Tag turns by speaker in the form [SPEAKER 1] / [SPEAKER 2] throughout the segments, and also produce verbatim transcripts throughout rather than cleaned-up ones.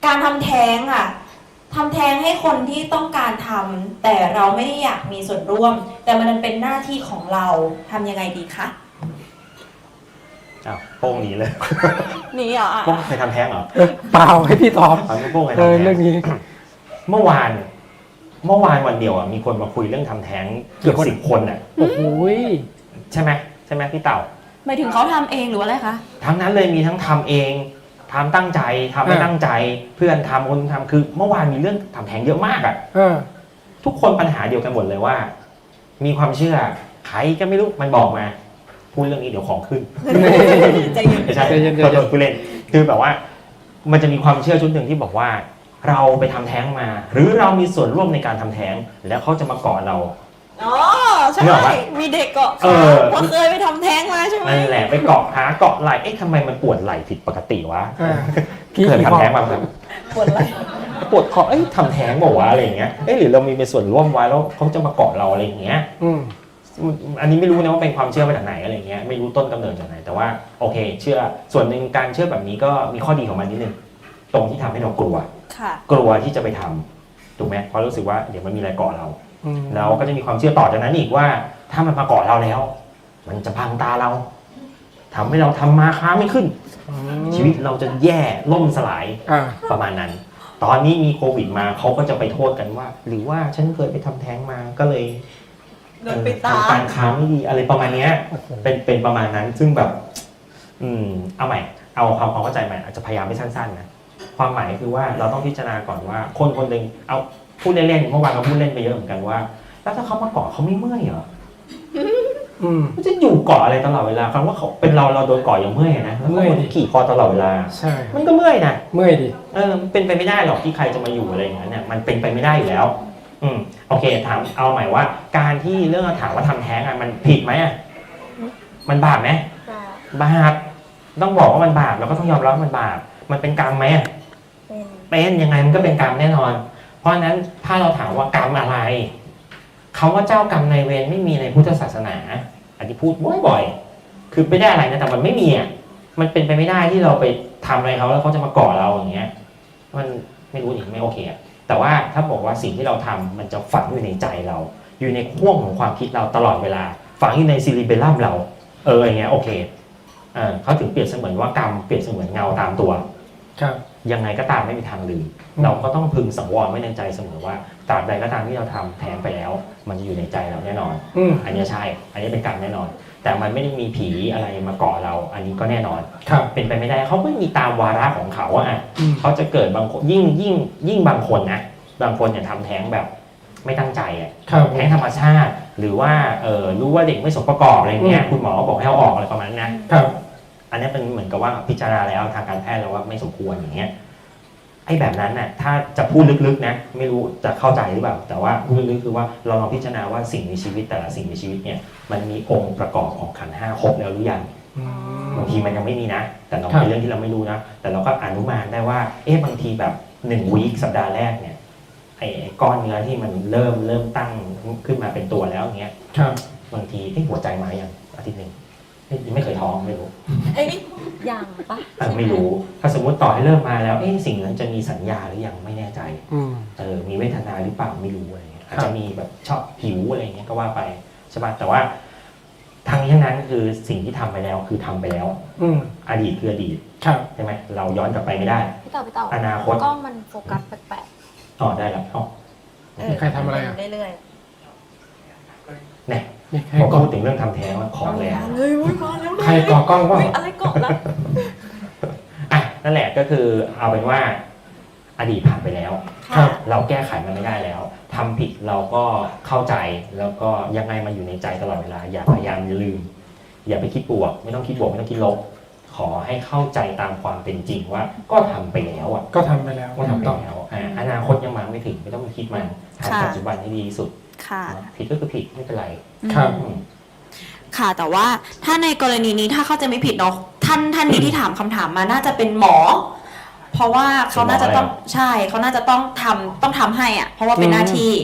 [SPEAKER 1] การทำแท้งอ่ะทำแท้งให้คนที่ต้องการทำแต่เราไม่ได้อยากมีส่วนร่วม แต่มันเป็นหน้าที่ของเราทำยังไงดีคะ
[SPEAKER 2] อ้าวโป้งหนีเลย
[SPEAKER 1] หนีเหรอ
[SPEAKER 2] โป้งเคยทำแท้งเหรอ
[SPEAKER 3] เปล่าให้พี่ตอบ
[SPEAKER 2] ฟังโป้งเคยทำแท้ง
[SPEAKER 3] เรื่องนี้
[SPEAKER 2] เมื่อวานเมื่อวานวันเดียวอ่ะมีคนมาคุยเรื่องทำแท้งเกือบสิบคนอ่ะ
[SPEAKER 3] โอ้โห
[SPEAKER 2] ใช่ไหมใช่ไหมพี่เต่า
[SPEAKER 1] หมายถึงเขาทำเองหรืออะไรคะ
[SPEAKER 2] ทั้งนั้นเลยมีทั้งทำเองทำตั้งใจทำไม่ตั้งใจเพื่อนทำคนทำคือเมื่อวานมีเรื่องทำแท้งเยอะมากอ่ะทุกคนปัญหาเดียวกันหมดเลยว่ามีความเชื่อใครก็ไม่รู้มันบอกมาพูดเรื่องนี้เดี๋ยวของขึ้น
[SPEAKER 1] ใจเย็น
[SPEAKER 2] ใช่ตัวผู้เล่นคือแบบว่ามันจะมีความเชื่อชุดหนึ่งที่บอกว่าเราไปทำแท้งมาหรือเรามีส่วนร่วมในการทำแท้งแล้วเขาจะมาเกาะเรา
[SPEAKER 1] อ๋อใช่มีเด็กเกาะเพราะเคยไปทำแท้งมาใช่ไหม
[SPEAKER 2] นั่นแหละไปเกาะหาเกาะไหล่เอ๊ะทำไมมันปวดไหล่ผิดปกติวะเคยทำแท้งมาครับ
[SPEAKER 1] ปวดไหล่
[SPEAKER 2] ปวดคอเอ้ยทำแท้งบอกว่าอะไรอย่างเงี้ยเอ๊ะหรือเรามีเป็นส่วนร่วมไว้แล้วเขาจะมาเกาะเราอะไรอย่างเงี้ยอันนี้ไม่รู้นะว่าเป็นความเชื่อมาจากไหนอะไรเงี้ยไม่รู้ต้นกำเนิดจากไหนแต่ว่าโอเคเชื่อส่วนหนึ่งการเชื่อแบบนี้ก็มีข้อดีของมันนิดนึงตรงที่ทำให้เรากลัวกลัวที่จะไปทำถูกไหมเพราะรู้สึกว่าเดี๋ยวมันมีอะไรเกาะเราเราก็จะมีความเชื่อต่อจากนั้นอีกว่าถ้ามันมาเกาะเราแล้วมันจะพังตาเราทำให้เราทำมาค้าไม่ขึ้นชีวิตเราจะแย่ล่มสลายประมาณนั้นตอนนี้มีโควิดมาเขาก็จะไปโทษกันว่าหรือว่าฉันเคยไปทำแท้งมาก็เลยทำการค้าไม่ดีอะไรประมาณนี้เป็นเป็นประมาณนั้นซึ่งแบบอืมเอาใหม่เอาความความเข้าใจใหม่อาจจะพยายามไม่สั้นๆนะความหมายคือว่าเราต้องพิจารณาก่อนว่าคนคนหนึ่งเอาพูดเล่นๆเมื่อวานเราพูดเล่นไปเยอะเหมือนกันว่าแล้วถ้าเขามาเกาะเขาไม่เมื่อยเหรอมันจะอยู่เกาะอะไรตลอดเวลาคำว่าเขาเป็นเราเราโดนเกาะยังเมื่อยนะแล้วก็ขี่คอตลอดเวลา
[SPEAKER 3] ใช่
[SPEAKER 2] มันก็เมื่อยนะ
[SPEAKER 3] เมื่อยดิ
[SPEAKER 2] เออเป็นไปไม่ได้หรอกที่ใครจะมาอยู่อะไรอย่างนั้นเนี่ยมันเป็นไปไม่ได้อยู่แล้วอืมโอเคถามเอาใหม่ว่าการที่เรื่องถามว่าทำแท้งอ่ะมันผิดไหมอ่ะมันบาปไหมบาปต้องบอกว่ามันบาปแล้วก็ต้องยอมรับว่ามันบาปมันเป็นกรรมไหมเป็นยังไงมันก็เป็นกรรมแน่นอนเพราะฉะนั้นถ้าเราถามว่ากรรมอะไรคำว่าเจ้ากรรมนายเวรไม่มีในพุทธศาสนาอันที่พูดบ่อยๆคือไม่ได้อะไรนะแต่มันไม่มีอ่ะมันเป็นไปไม่ได้ที่เราไปทำอะไรเขาแล้วเขาจะมาเกาะเราอย่างเงี้ยมันไม่รู้ดิไม่โอเคอ่ะแต่ว่าถ้าบอกว่าสิ่งที่เราทำมันจะฝังอยู่ในใจเราอยู่ในข่วงของความคิดเราตลอดเวลาฝังอยู่ในซิลิเบลัมเราเอออย่างเงี้ยโอเคเออเขาถึงเปรียบเสมือนว่ากรรมเปรียบเสมือนเงาตามตัวยังไงก็ตามไม่มีทางลืมเราก็ต้องพึงสังวรไว้ในใจเสมอว่าตราบใดก็ตามที่เราทำแท้งไปแล้วมันจะอยู่ในใจเราแน่นอนอันนี้ใช่อันนี้เป็นกรรมแน่นอนแต่มันไม่ได้มีผีอะไรมาเกาะเราอันนี้ก็แน่นอนเป็นไปไม่ได้เขาไม่มีตามวาระของเขาอ่ะเขาจะเกิดบางคนยิ่งยิ่งยิ่งบางคนนะบางคนเนี่ยทำแท้งแบบไม่ตั้งใจอ่ะแท้งธรรมชาติหรือว่าเออรู้ว่าเด็กไม่สมประกอบอะไรเงี้ยคุณหมอบอกให้เอาออกอะไรประมาณนั้นนะอันนี้เป็นเหมือนกับว่าพิจารณาแล้วทางการแพทย์แล้วว่าไม่สมควรอย่างเงี้ยไอ้แบบนั้นน่ะถ้าจะพูดลึกๆนะไม่รู้จะเข้าใจหรือเปล่าแต่ว่าพูดลึกๆคือว่าเราลองพิจารณาว่าสิ่งมีชีวิตแต่ละสิ่งมีชีวิตเนี่ยมันมีองค์ประกอบของขันธ์ห้าครบแล้วหรือยังบางทีมันยังไม่มีนะแต่เราเป็นเรื่องที่เราไม่รู้นะแต่เราก็อนุมานได้ว่าเอ๊ะบางทีแบบหนึ่งวีคสัปดาห์แรกเนี่ยไอ้ก้อนเนื้อที่มันเริ่มเริ่มตั้งขึ้นมาเป็นตัวแล้วอย่างเงี้ยบางทีไอ้หัวใจมาอย่างอาทิตย์หนึ่งไม่เคยท้องไม่รู้
[SPEAKER 1] ไอ้นี่ยังปะ
[SPEAKER 2] ไม่รู้ถ้าสมมติต่อให้เริ่มมาแล้วเอ๊ะสิ่งนั้นจะมีสัญญาหรือยังไม่แน่ใจเออมีเวทนาหรือเปล่าไม่รู้อะไรเงี้ยอาจจะมีแบบชอบหิวอะไรเงี้ยก็ว่าไปใช่ป่ะแต่ว่าทางนี้ทั้งนั้นคือสิ่งที่ทำไปแล้วคือทำไปแล้วอดีตคืออดีตใช่ไหมเราย้อนกลับไปไม่ได้
[SPEAKER 1] พี่ต่อพี่ต่อ
[SPEAKER 2] อนาคต
[SPEAKER 1] ก็มันโฟกัสแปลก
[SPEAKER 2] ๆอ๋อได้แล้วอ๋อ
[SPEAKER 3] ใครทำอะไรอ่ะ
[SPEAKER 1] เรื่อย
[SPEAKER 2] ๆเนี่ยพอพูดถึงเรื่องทำแท้งแล้วของแรง
[SPEAKER 1] เลยอุ้ยมาแล้ว
[SPEAKER 3] ใครก่อกล้องว่า
[SPEAKER 1] อะไรก่อแล้ว
[SPEAKER 2] อ่ะนั่นแหละก็คือเอาเป็นว่าอดีตผ่านไปแล้วเราแก้ไขมันไม่ได้แล้วทำผิดเราก็เข้าใจแล้วก็ยังไงมันอยู่ในใจตลอดเวลาอย่าพยายามอย่าลืมอย่าไปคิดบวกไม่ต้องคิดบวกไม่ต้องคิดลบขอให้เข้าใจตามความเป็นจริงว่าก็ทำไปแล้วอ่ะ
[SPEAKER 3] ก็ทำไปแล้ว
[SPEAKER 2] ก็ทำไปแล้วอนาคตยังมาไม่ถึงไม่ต้องคิดมันทำปัจจุบันให้ดีที่สุดผิดก็คือผิดไม่เป็นไร
[SPEAKER 3] ครับ
[SPEAKER 1] ค่ะแต่ว่าถ้าในกรณีนี้ถ้าเข้าใจไม่ผิดเนาะท่านท่านนี้ที่ถามคำถามมาน่าจะเป็นหมอเพราะว่าเขาน่าจะต้องใช่เขาน่าจะต้องทำต้องทำให้อ่ะเพราะว่าเป็นหน้าที่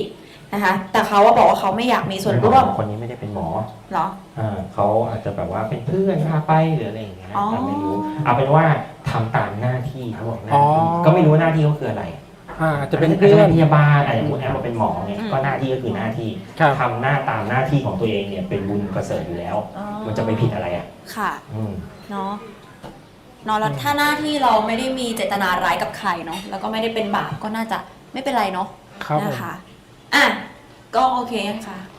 [SPEAKER 1] นะคะแต่เขาว่าบอกว่าเขาไม่อยากมีส่วนร่วม
[SPEAKER 2] คนนี้ไม่ได้เป็นหมอ
[SPEAKER 1] เหรอ
[SPEAKER 2] อ่าเขาอาจจะแบบว่าเป็นเพื่อนพาไปหรืออะไรอย่างเงี้ย
[SPEAKER 1] อ๋อ
[SPEAKER 2] แต่ไม่รู้เอาเป็นว่าทำตามหน้าที่เขาบอกหน้า
[SPEAKER 3] อ๋อ
[SPEAKER 2] ที่ก็ไม่รู้ว่าหน้าที่เขาคืออะไร
[SPEAKER 3] อ่าจะเป็น
[SPEAKER 2] อาจ
[SPEAKER 3] เพื่
[SPEAKER 2] จะ
[SPEAKER 3] อ
[SPEAKER 2] เป็น นพยาบาลอาจจะคุณแอมมาเป็นหมอเนี่ยก็หน้าที่ก็คือหน้าที่
[SPEAKER 3] ครับ
[SPEAKER 2] ทำหน้าตามหน้าที่ของตัวเองเนี่ยเป็นบุญประเสริฐอยู่แล้ว
[SPEAKER 1] อ๋อ
[SPEAKER 2] มันจะไปผิดอะไรอ่ะ
[SPEAKER 1] ค่ะ
[SPEAKER 2] อืม
[SPEAKER 1] เนาะเนาะแล้วถ้าหน้าที่เราไม่ได้มีเจตนาร้ายกับใครเนาะแล้วก็ไม่ได้เป็นบาปก็น่าจะไม่เป็นไรเนาะ
[SPEAKER 3] ครับผม
[SPEAKER 1] นะคะอ่ะก็โอเคค่ะ